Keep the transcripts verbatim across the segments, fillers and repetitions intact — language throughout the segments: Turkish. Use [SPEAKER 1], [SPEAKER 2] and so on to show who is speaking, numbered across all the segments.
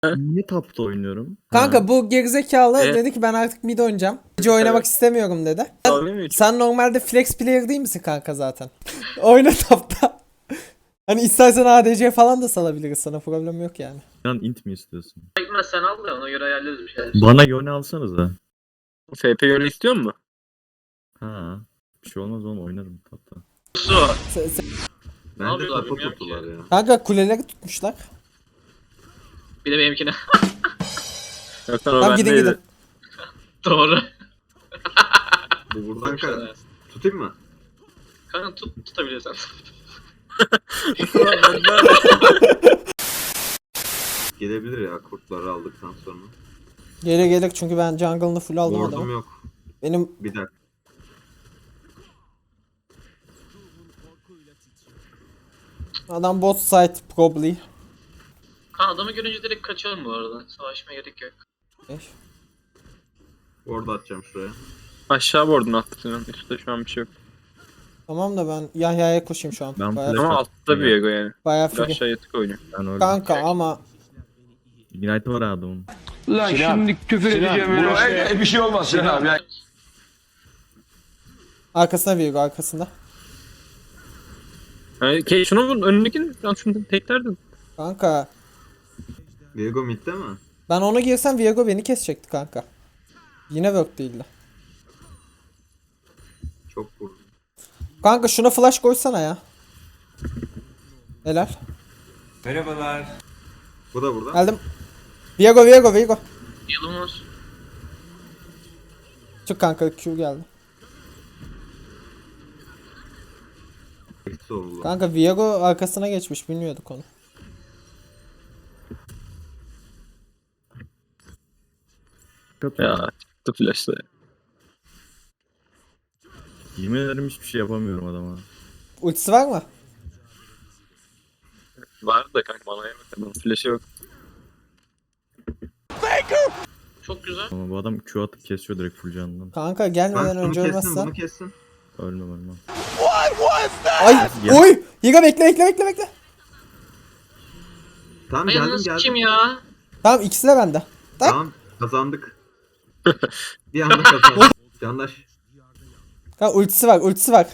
[SPEAKER 1] Niye tapta oynuyorum?
[SPEAKER 2] Kanka
[SPEAKER 1] Ha.
[SPEAKER 2] bu gerizekalı
[SPEAKER 3] E?
[SPEAKER 2] dedi ki ben artık mid oynayacağım. Gece oynamak
[SPEAKER 3] Evet.
[SPEAKER 2] istemiyorum dedi.
[SPEAKER 3] Dalga mı geçiyorsun?
[SPEAKER 2] Sen normalde flex player değil misin kanka zaten? Oyna tapta. Hani istersen A D C falan da salabiliriz, sana problem yok yani.
[SPEAKER 1] Lan int mi istiyorsun?
[SPEAKER 4] Gitmez sen al da ona göre ayarlarız bir şeyler.
[SPEAKER 1] Bana yöne alsanıza.
[SPEAKER 3] F P yönü istiyor mu?
[SPEAKER 1] Ha. Bir şey olmaz oğlum, oynarım tapta.
[SPEAKER 4] Su.
[SPEAKER 2] Se- se-
[SPEAKER 4] Ne
[SPEAKER 5] Bence
[SPEAKER 4] yapıyorlar
[SPEAKER 5] kafa
[SPEAKER 4] bilmiyorum
[SPEAKER 5] tuttular
[SPEAKER 4] ki.
[SPEAKER 5] ya.
[SPEAKER 2] Kanka kuleleri tutmuşlar.
[SPEAKER 4] Bir de benimkine.
[SPEAKER 3] Yok lan o
[SPEAKER 2] Tamam gidin
[SPEAKER 3] bendeydi.
[SPEAKER 2] gidin.
[SPEAKER 4] Doğru.
[SPEAKER 5] Bu buradan kanka. Tutayım mı?
[SPEAKER 4] Kanka tut tutabilirsen.
[SPEAKER 5] Gelebilir ya kurtları aldıktan sonra.
[SPEAKER 2] Gelir gelir çünkü ben jungle'ını full aldım
[SPEAKER 5] Ward'um
[SPEAKER 2] adamı.
[SPEAKER 5] yok.
[SPEAKER 2] Benim
[SPEAKER 5] Bir dakika.
[SPEAKER 2] adam bot side probably.
[SPEAKER 4] Kanka adamı görünce direkt kaçalım bu arada. Savaşmaya gerek yok.
[SPEAKER 2] Beş.
[SPEAKER 5] Ward atacağım şuraya.
[SPEAKER 3] Aşağı bordun attın. Üstte şu an bir şey yok.
[SPEAKER 2] Tamam da ben Yahya'ya koşayım şu an.
[SPEAKER 1] Ben
[SPEAKER 2] Bayağı,
[SPEAKER 1] flash-
[SPEAKER 3] Ama altta bir ego yani.
[SPEAKER 2] bayağı
[SPEAKER 3] Bir
[SPEAKER 2] free.
[SPEAKER 3] aşağı yatık oynuyor.
[SPEAKER 1] Ben öyle.
[SPEAKER 2] Kanka ama
[SPEAKER 1] Ignite var adamın.
[SPEAKER 6] Lan şimdi küfür edeceğim öyle işte. Bir şey olmaz Sinan abi. Ya.
[SPEAKER 2] arkasına Virgo arkasında.
[SPEAKER 3] Yani, ke şuna vur önündekini. Lan şunu teklerdin.
[SPEAKER 2] Kanka
[SPEAKER 5] Viego midde mi?
[SPEAKER 2] ben onu girsem Virgo beni kesecekti kanka. Yine work değildi.
[SPEAKER 5] Çok vurdum.
[SPEAKER 2] Kanka şuna flash koysana ya. Helal.
[SPEAKER 5] Bu da burada.
[SPEAKER 2] Geldim. Virgo Virgo Virgo.
[SPEAKER 4] Yılımız.
[SPEAKER 2] Çık kanka, Q geldi.
[SPEAKER 5] Eksi oldu.
[SPEAKER 2] Kanka Viego arkasına geçmiş, bilmiyorduk onu.
[SPEAKER 1] Çok
[SPEAKER 3] Ya çıktı flash'ta.
[SPEAKER 1] Yemin ederim hiçbir şey yapamıyorum adama.
[SPEAKER 2] Ultisi var mı?
[SPEAKER 3] Var da kanka bana yemek. Flash'ı yok.
[SPEAKER 4] Çok güzel.
[SPEAKER 1] Ama bu adam Q atıp kesiyor direkt full canından.
[SPEAKER 2] Kanka
[SPEAKER 5] Ben
[SPEAKER 2] gelmeden
[SPEAKER 5] bunu
[SPEAKER 2] önce
[SPEAKER 5] kessin,
[SPEAKER 2] ölmezsen.
[SPEAKER 5] bunu kessin.
[SPEAKER 1] Ölmem ölmem.
[SPEAKER 2] Ay!
[SPEAKER 1] Gel.
[SPEAKER 2] Oy! Yiga bekle bekle bekle bekle.
[SPEAKER 5] Tamam
[SPEAKER 4] Ay
[SPEAKER 5] geldim
[SPEAKER 4] nasıl
[SPEAKER 5] geldim.
[SPEAKER 4] kim ya?
[SPEAKER 2] Tamam, ikisi de bende. Tak.
[SPEAKER 5] Tamam kazandık. Bir anda kazandık. Candaş.
[SPEAKER 2] Kanka ultisi var, ultisi var.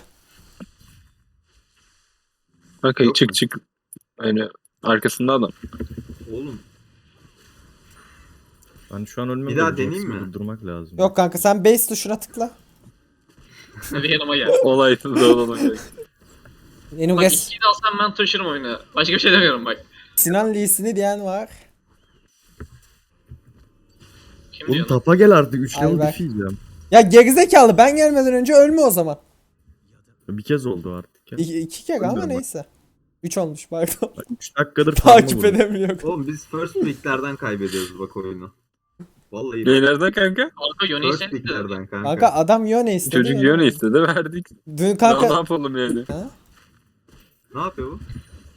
[SPEAKER 3] Kanka
[SPEAKER 5] Yok
[SPEAKER 3] çık
[SPEAKER 5] mu?
[SPEAKER 3] çık. Yani arkasında adam.
[SPEAKER 5] Oğlum.
[SPEAKER 1] Ben şu an ölmem.
[SPEAKER 5] Bir daha
[SPEAKER 1] de
[SPEAKER 5] deneyeyim
[SPEAKER 1] Jinx'i
[SPEAKER 5] mi?
[SPEAKER 1] Durdurmak lazım.
[SPEAKER 2] Yok kanka, sen base tuşuna tıkla.
[SPEAKER 4] Hadi yanıma gel.
[SPEAKER 3] Olaysız da olalım.
[SPEAKER 2] Benim
[SPEAKER 4] Bak
[SPEAKER 2] res
[SPEAKER 4] ikiyi de alsam ben taşırım oyunu. Başka bir şey demiyorum bak.
[SPEAKER 2] Sinan Lee'sini diyen var.
[SPEAKER 4] Kim
[SPEAKER 1] Oğlum
[SPEAKER 4] diyor?
[SPEAKER 1] tapa gel artık. üç
[SPEAKER 2] Ay
[SPEAKER 1] level
[SPEAKER 2] bak.
[SPEAKER 1] diff yiyeceğim.
[SPEAKER 2] Ya gerizekalı, ben gelmeden önce ölme o zaman.
[SPEAKER 1] Bir kez oldu artık ya.
[SPEAKER 2] İki, iki kere ama
[SPEAKER 1] Bilmiyorum bak.
[SPEAKER 2] neyse. Üç olmuş pardon.
[SPEAKER 1] üç dakikadır farmı
[SPEAKER 2] Takip
[SPEAKER 1] vurdum.
[SPEAKER 2] edemiyorum.
[SPEAKER 5] Oğlum biz first picklerden kaybediyoruz bak oyunu. Vallahi bak.
[SPEAKER 3] Neylerden kanka?
[SPEAKER 4] Kanka Yone'yi
[SPEAKER 5] First
[SPEAKER 4] sen de.
[SPEAKER 5] picklerden kanka.
[SPEAKER 2] Kanka adam Yone istedi.
[SPEAKER 3] Çocuk
[SPEAKER 2] Yone
[SPEAKER 3] yön
[SPEAKER 2] aldı.
[SPEAKER 3] istedi verdik.
[SPEAKER 2] Dün
[SPEAKER 3] Ya, ne
[SPEAKER 2] kanka...
[SPEAKER 3] yapalım yani?
[SPEAKER 2] Ha?
[SPEAKER 5] Ne yapıyor bu?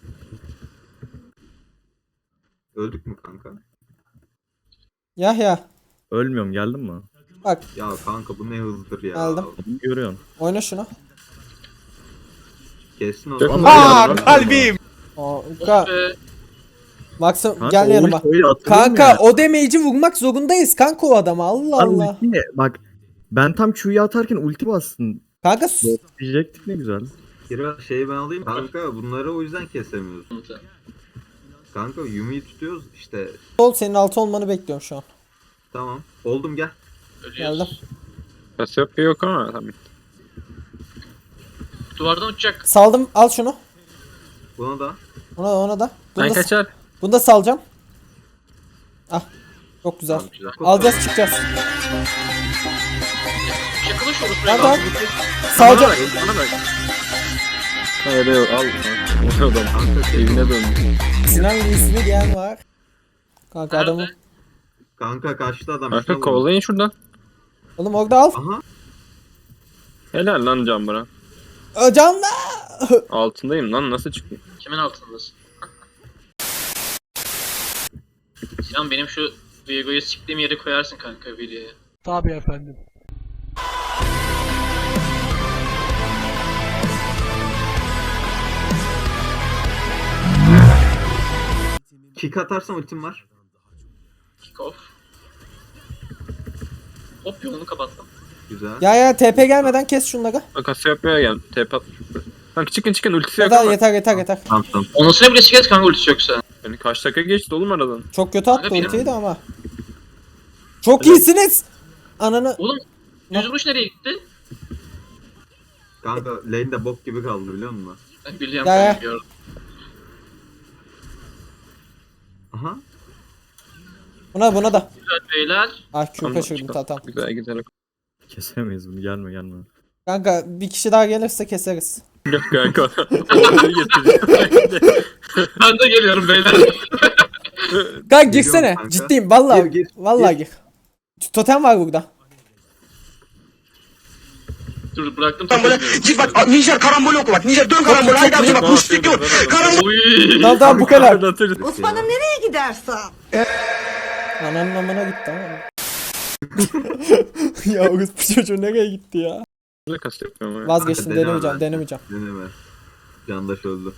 [SPEAKER 5] Öldük mü kanka?
[SPEAKER 2] Yahya.
[SPEAKER 1] Ölmüyorum, geldin mi?
[SPEAKER 2] Bak
[SPEAKER 5] Ya kanka bu ne hızdır ya.
[SPEAKER 2] Aldım.
[SPEAKER 1] Adamı görüyorsun.
[SPEAKER 2] oyna şunu.
[SPEAKER 5] Kessin o
[SPEAKER 3] Çok
[SPEAKER 5] zaman.
[SPEAKER 3] Aa,
[SPEAKER 1] kalbim.
[SPEAKER 2] Kanka
[SPEAKER 4] Ee,
[SPEAKER 2] Maxim
[SPEAKER 1] Kanka,
[SPEAKER 2] gel
[SPEAKER 1] o
[SPEAKER 2] yanıma.
[SPEAKER 1] ultiyi atılır mı
[SPEAKER 2] Kanka
[SPEAKER 1] ya?
[SPEAKER 2] o damage'i vurmak zorundayız kanka o adama, Allah
[SPEAKER 1] Lan
[SPEAKER 2] Allah.
[SPEAKER 1] ulti ne? Bak ben tam Q'yu atarken ulti bastın.
[SPEAKER 2] Kanka s-
[SPEAKER 1] Diyecektik ne güzel.
[SPEAKER 5] Kira şeyi ben alayım. Kanka bunları o yüzden kesemiyoruz. Kanka Yumi'yi tutuyoruz işte.
[SPEAKER 2] sol, senin altı olmanı bekliyorum şu an.
[SPEAKER 5] Tamam. Oldum gel.
[SPEAKER 2] Geldim.
[SPEAKER 4] Ölüyoruz.
[SPEAKER 3] Kasiyopya yok ama tamam.
[SPEAKER 4] Duvardan uçacak.
[SPEAKER 2] Saldım, al şunu.
[SPEAKER 5] Buna da.
[SPEAKER 2] Ona da ona da. Bunu
[SPEAKER 3] Ben
[SPEAKER 2] da,
[SPEAKER 3] kaçar.
[SPEAKER 2] bunu da salacağım. Ah. Çok güzel.
[SPEAKER 5] Tamam, güzel.
[SPEAKER 2] Alacağız, çıkacağız.
[SPEAKER 4] Yakalaş orası.
[SPEAKER 2] Tamam,
[SPEAKER 4] Tamam.
[SPEAKER 2] tamam. Salacağım.
[SPEAKER 3] Bana bak, bana bak. Hayır yok al. O adam
[SPEAKER 5] Kanka,
[SPEAKER 3] evine döndü.
[SPEAKER 2] Sinan Lee'sini diyen var. Kanka
[SPEAKER 4] Nerede?
[SPEAKER 2] adamı.
[SPEAKER 5] Kanka kaçtı adam.
[SPEAKER 3] Kanka
[SPEAKER 5] şuna vurun.
[SPEAKER 3] kovalayın şuradan.
[SPEAKER 2] Oğlum orada al.
[SPEAKER 5] Aha.
[SPEAKER 3] Helal lan Can bana.
[SPEAKER 2] Ö, Canla.
[SPEAKER 3] Altındayım lan nasıl çıkayım?
[SPEAKER 4] Kimin altındasın? Sinan benim şu Viego'yu siktiğim yere koyarsın kanka videoya.
[SPEAKER 6] Tabii efendim.
[SPEAKER 5] Kick atarsam ultim var.
[SPEAKER 4] Kick off. Hop yolunu kapattım.
[SPEAKER 5] Güzel.
[SPEAKER 2] Ya ya T P gelmeden kes şunları.
[SPEAKER 3] Bak Cassiopeia geldi. T P atmış. Kanka çıkın çıkın ultisi yok
[SPEAKER 2] Yeter
[SPEAKER 3] ama.
[SPEAKER 2] yeter yeter yeter.
[SPEAKER 5] Tamam tamam.
[SPEAKER 4] Onusuna bile çıkarız kanka ultisi yoksa.
[SPEAKER 3] Yani kaç dakika geçti oğlum aradan.
[SPEAKER 2] Çok kötü attı
[SPEAKER 4] Kanka benim-
[SPEAKER 2] ultiyi de ama. Çok iyisiniz. Ananı.
[SPEAKER 4] Oğlum düz vuruş nereye gitti?
[SPEAKER 5] Kanka lane de bok gibi kaldı biliyor musun?
[SPEAKER 4] Ben biliyorum
[SPEAKER 2] Ya, ya.
[SPEAKER 4] ben biliyorum.
[SPEAKER 5] Aha.
[SPEAKER 2] Buna buna da.
[SPEAKER 4] Güzel beyler.
[SPEAKER 2] Ah Q
[SPEAKER 3] Tamam,
[SPEAKER 2] kaçırdım
[SPEAKER 3] çıkalım.
[SPEAKER 2] tamam.
[SPEAKER 3] Güzel güzel.
[SPEAKER 1] Kesemeyiz bunu, gelme gelme.
[SPEAKER 2] Kanka bir kişi daha gelirse keseriz.
[SPEAKER 3] Yok kanka. Orayı getireceğim.
[SPEAKER 4] Ben de geliyorum beyler.
[SPEAKER 2] Kanka girsene.
[SPEAKER 5] kanka.
[SPEAKER 2] Ciddiyim vallahi.
[SPEAKER 5] Gir, gir,
[SPEAKER 2] vallahi gir. Totem var burada.
[SPEAKER 4] Dur bıraktım.
[SPEAKER 6] Lan böyle git bak Nijer karambol oku bak. Nijer dön karambol. Haydi abicim bak müşrik yok. Karambol.
[SPEAKER 4] Oy.
[SPEAKER 2] Tamam tamam bu kadar.
[SPEAKER 3] Atarız.
[SPEAKER 7] Osman'ım nereye gidersen?
[SPEAKER 2] Ananın amına gitti ama. Ya bu çocuğu nereye gitti ya?
[SPEAKER 3] Ne kas yapıyorum ya.
[SPEAKER 2] Vazgeçtim
[SPEAKER 5] Kanka, deneme
[SPEAKER 2] denemeyeceğim
[SPEAKER 5] ben.
[SPEAKER 2] denemeyeceğim.
[SPEAKER 5] Deneme. Candaş öldü.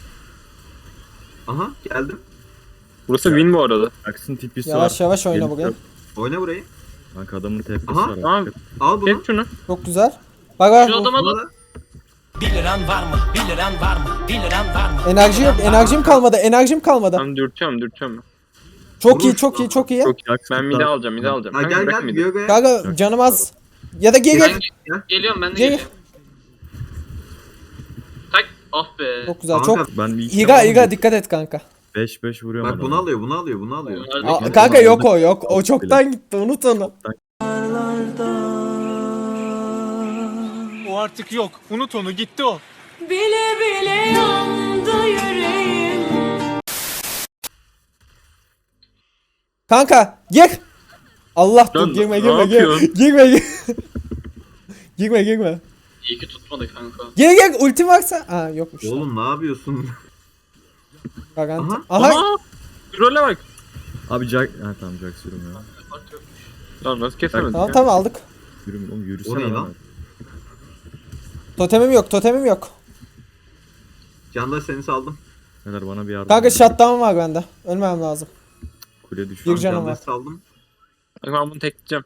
[SPEAKER 5] Aha geldim.
[SPEAKER 3] Burası win bu arada.
[SPEAKER 1] Jackson tipisi
[SPEAKER 2] Yavaş
[SPEAKER 1] var.
[SPEAKER 2] yavaş oyna
[SPEAKER 1] Gelip
[SPEAKER 2] buraya.
[SPEAKER 1] yok.
[SPEAKER 5] Oyna burayı.
[SPEAKER 1] Kanka adamın T P'si
[SPEAKER 5] Aha,
[SPEAKER 1] var.
[SPEAKER 3] tamam.
[SPEAKER 5] Al bunu.
[SPEAKER 3] Hep şunu.
[SPEAKER 2] Çok güzel. Bak bak.
[SPEAKER 4] Şu adama
[SPEAKER 5] Buna
[SPEAKER 4] bak.
[SPEAKER 5] da.
[SPEAKER 8] bir liran var mı? bir liran var mı? bir liran var mı?
[SPEAKER 2] Enerji yok. Enerjim kalmadı. Enerjim kalmadı.
[SPEAKER 3] Tamam dürtüyorum dürtüyorum.
[SPEAKER 2] Çok iyi
[SPEAKER 5] Vuruş.
[SPEAKER 2] çok iyi çok iyi.
[SPEAKER 3] Çok iyi. Ben mide alacağım mide alacağım.
[SPEAKER 5] Ha
[SPEAKER 3] Kanka
[SPEAKER 5] gel
[SPEAKER 3] bırak
[SPEAKER 5] gel
[SPEAKER 3] mide.
[SPEAKER 5] Viyogo'ya.
[SPEAKER 2] Kanka canım az. Ya da gel
[SPEAKER 4] Ben
[SPEAKER 2] gel.
[SPEAKER 4] ge- geliyorum ben de
[SPEAKER 2] Gel.
[SPEAKER 4] geliyorum. Tak. Ah be.
[SPEAKER 2] Çok güzel.
[SPEAKER 5] Kanka,
[SPEAKER 2] Çok.
[SPEAKER 1] Ben bir iki
[SPEAKER 2] İga İga dikkat et kanka.
[SPEAKER 1] beş beş vuruyorum
[SPEAKER 5] Bak bunu
[SPEAKER 1] adamı.
[SPEAKER 5] alıyor bunu alıyor bunu alıyor.
[SPEAKER 4] Bunlar
[SPEAKER 2] Aa,
[SPEAKER 4] da-
[SPEAKER 2] kanka yok o yok. O çoktan gitti. Unut onu.
[SPEAKER 9] O artık yok. Unut onu, gitti o.
[SPEAKER 7] Bile bile yandı yüreğim.
[SPEAKER 2] Kanka gir. Allah dur
[SPEAKER 3] Lan,
[SPEAKER 2] girme
[SPEAKER 3] ne
[SPEAKER 2] girme girme.
[SPEAKER 3] yapıyorsun?
[SPEAKER 2] Girme girme. Girme girme.
[SPEAKER 4] İyi ki tutmadı kanka.
[SPEAKER 2] Gel gel ultim varsa. Aa yokmuş.
[SPEAKER 5] Oğlum ne yapıyorsun?
[SPEAKER 2] Garanti.
[SPEAKER 5] Aha.
[SPEAKER 2] Aha.
[SPEAKER 3] Aa! Role bak.
[SPEAKER 1] Abi Jack... Ha tamam Jack sürüm ya.
[SPEAKER 4] Fark yok.
[SPEAKER 3] Lan nasıl kesemedik
[SPEAKER 2] Tamam
[SPEAKER 3] ya?
[SPEAKER 2] tamam aldık.
[SPEAKER 1] Yürüm oğlum, yürüsene
[SPEAKER 5] O ne lan?
[SPEAKER 1] lan.
[SPEAKER 2] Totemim yok totemim yok.
[SPEAKER 5] Candaş seni saldım.
[SPEAKER 1] Neler bana bir yardım
[SPEAKER 2] Kanka
[SPEAKER 1] edin.
[SPEAKER 2] shutdown var bende. Ölmem lazım.
[SPEAKER 1] Kule düşüyor.
[SPEAKER 2] Bir canım
[SPEAKER 5] Candaş
[SPEAKER 2] var.
[SPEAKER 5] saldım.
[SPEAKER 3] Bak ben bunu tekleyeceğim.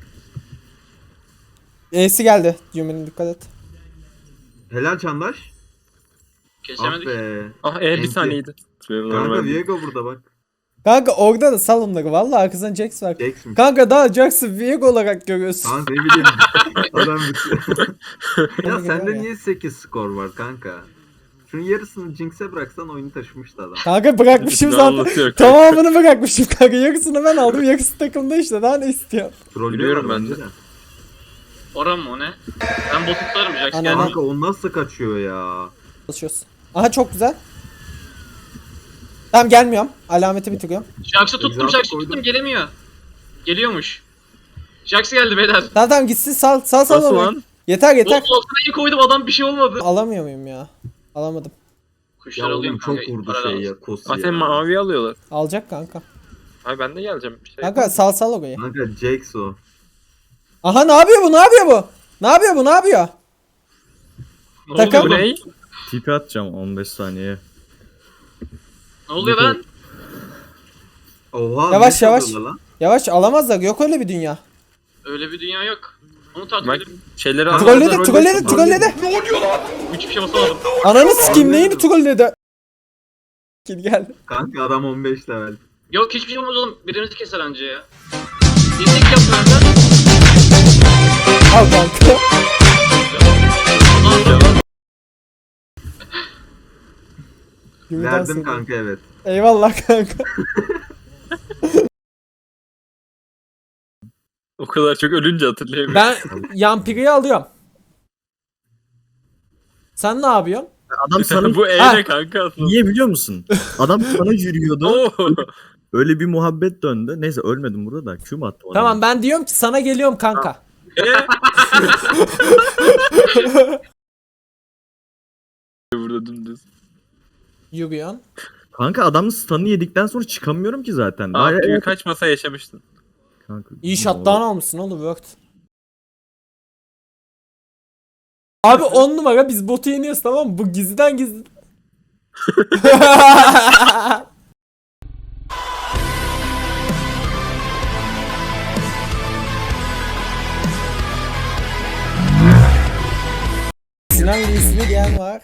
[SPEAKER 2] E'si geldi. Yumi'nin dikkat et.
[SPEAKER 5] Helal Candaş. Ah
[SPEAKER 4] Kesemedik.
[SPEAKER 5] be.
[SPEAKER 3] Ah e bir
[SPEAKER 5] Enti.
[SPEAKER 3] saniyeydi.
[SPEAKER 5] Kanka Viego burada bak.
[SPEAKER 2] Kanka orada da sal onları. Valla arkasından Jax var.
[SPEAKER 5] Jax mi?
[SPEAKER 2] Kanka daha Jax'ı Viego olarak görüyorsun.
[SPEAKER 5] Kanka ne bileyim. Adam bitiyor. Ya
[SPEAKER 2] Hadi
[SPEAKER 5] sende
[SPEAKER 2] gel
[SPEAKER 5] niye sekiz skor var kanka? Şunun yarısını Jinx'e bıraksan oyunu taşımıştı adam.
[SPEAKER 2] Kanka bırakmışım
[SPEAKER 3] Ne
[SPEAKER 2] zaten.
[SPEAKER 3] anlatıyor?
[SPEAKER 2] Tamamını bırakmışım kanka. Yarısını ben aldım. Yarısı takımda işte. Daha ne istiyor?
[SPEAKER 5] Trollüyorlar
[SPEAKER 3] Biliyorum ben
[SPEAKER 5] bence
[SPEAKER 3] de.
[SPEAKER 5] de.
[SPEAKER 4] Oran mı o ne? Ben botu tutarım Jax
[SPEAKER 2] Ana,
[SPEAKER 4] geldi.
[SPEAKER 2] ana.
[SPEAKER 5] Kanka o nasıl kaçıyor ya?
[SPEAKER 2] Çalışıyoruz. Aha çok güzel. Tamam gelmiyorum. Alameti bitiriyorum.
[SPEAKER 4] Jax'ı tuttum
[SPEAKER 5] Example
[SPEAKER 4] Jax'ı
[SPEAKER 5] koydum.
[SPEAKER 4] tuttum gelemiyor. Geliyormuş. Jax geldi beyler.
[SPEAKER 2] Tamam tamam gitsin sal sal sal.
[SPEAKER 3] Nasıl
[SPEAKER 2] onu.
[SPEAKER 3] lan?
[SPEAKER 2] Yeter yeter.
[SPEAKER 4] Bot altına iyi koydum adam bir şey olmadı.
[SPEAKER 2] Alamıyor muyum ya? Alamadım.
[SPEAKER 4] Kuşlar
[SPEAKER 5] Ya
[SPEAKER 4] alayım
[SPEAKER 5] oğlum çok
[SPEAKER 4] kanka,
[SPEAKER 5] vurdu
[SPEAKER 4] para
[SPEAKER 5] şey
[SPEAKER 4] lazım.
[SPEAKER 5] ya Kosi
[SPEAKER 3] Ah
[SPEAKER 5] ya.
[SPEAKER 3] sen mavi alıyorlar.
[SPEAKER 2] Alacak kanka.
[SPEAKER 3] Ay ben de geleceğim. Bir şey.
[SPEAKER 2] Kanka sal sal orayı.
[SPEAKER 5] Kanka Jax o.
[SPEAKER 2] Aha ne yapıyor bu? Ne yapıyor bu? Ne yapıyor bu? Ne yapıyor?
[SPEAKER 4] Ne
[SPEAKER 2] Takım-
[SPEAKER 4] oluyor
[SPEAKER 3] Bu
[SPEAKER 4] oğlum?
[SPEAKER 3] ne?
[SPEAKER 1] Tipi atacağım on beş saniye.
[SPEAKER 4] Ne oluyor lan?
[SPEAKER 5] Oha.
[SPEAKER 2] Yavaş,
[SPEAKER 5] ne
[SPEAKER 2] yavaş.
[SPEAKER 5] çalıyorlar lan?
[SPEAKER 2] Yavaş alamazlar. Yok öyle bir dünya.
[SPEAKER 4] Öyle bir dünya yok. Onu takip
[SPEAKER 3] Bak
[SPEAKER 4] edip
[SPEAKER 3] şeyleri
[SPEAKER 5] Troll-
[SPEAKER 3] alıyorlar.
[SPEAKER 2] Trolledi, trolledi, trolledi.
[SPEAKER 4] hiçbir şey basamadım.
[SPEAKER 2] Ananı sikeyim neyini trolledi? Gel gel.
[SPEAKER 5] Kanka adam on beş level.
[SPEAKER 4] Yok hiçbir şey olmaz oğlum. Birimizi keser anca ya. İndik yapıyor lan.
[SPEAKER 2] Al kanka. Yumi'den
[SPEAKER 5] Verdim
[SPEAKER 2] sevdim.
[SPEAKER 5] kanka evet.
[SPEAKER 2] Eyvallah kanka.
[SPEAKER 3] O kadar çok ölünce hatırlayamıyorum.
[SPEAKER 2] Ben Yampiri'yi alıyorum. Sen ne yapıyorsun?
[SPEAKER 1] Adam sana
[SPEAKER 3] Bu
[SPEAKER 2] Ha.
[SPEAKER 3] eğne kanka aslında.
[SPEAKER 1] niye biliyor musun? Adam sana yürüyordu.
[SPEAKER 3] Oo.
[SPEAKER 1] Öyle bir muhabbet döndü. Neyse ölmedim burada da. Q mu attı bana?
[SPEAKER 2] Tamam ben diyorum ki sana geliyorum kanka.
[SPEAKER 3] E? Burada dümdüz.
[SPEAKER 2] Yürüyorsun.
[SPEAKER 1] Kanka adamın stun'ı yedikten sonra çıkamıyorum ki zaten. Daha-
[SPEAKER 3] Abi kaç masa yaşamıştın?
[SPEAKER 1] Kanka,
[SPEAKER 2] İyi shutdown almışsın oğlum worked. Abi on numara biz botu yeniyoruz tamam mı? Bu gizliden gizli. Sinan Lee'sini diyen var.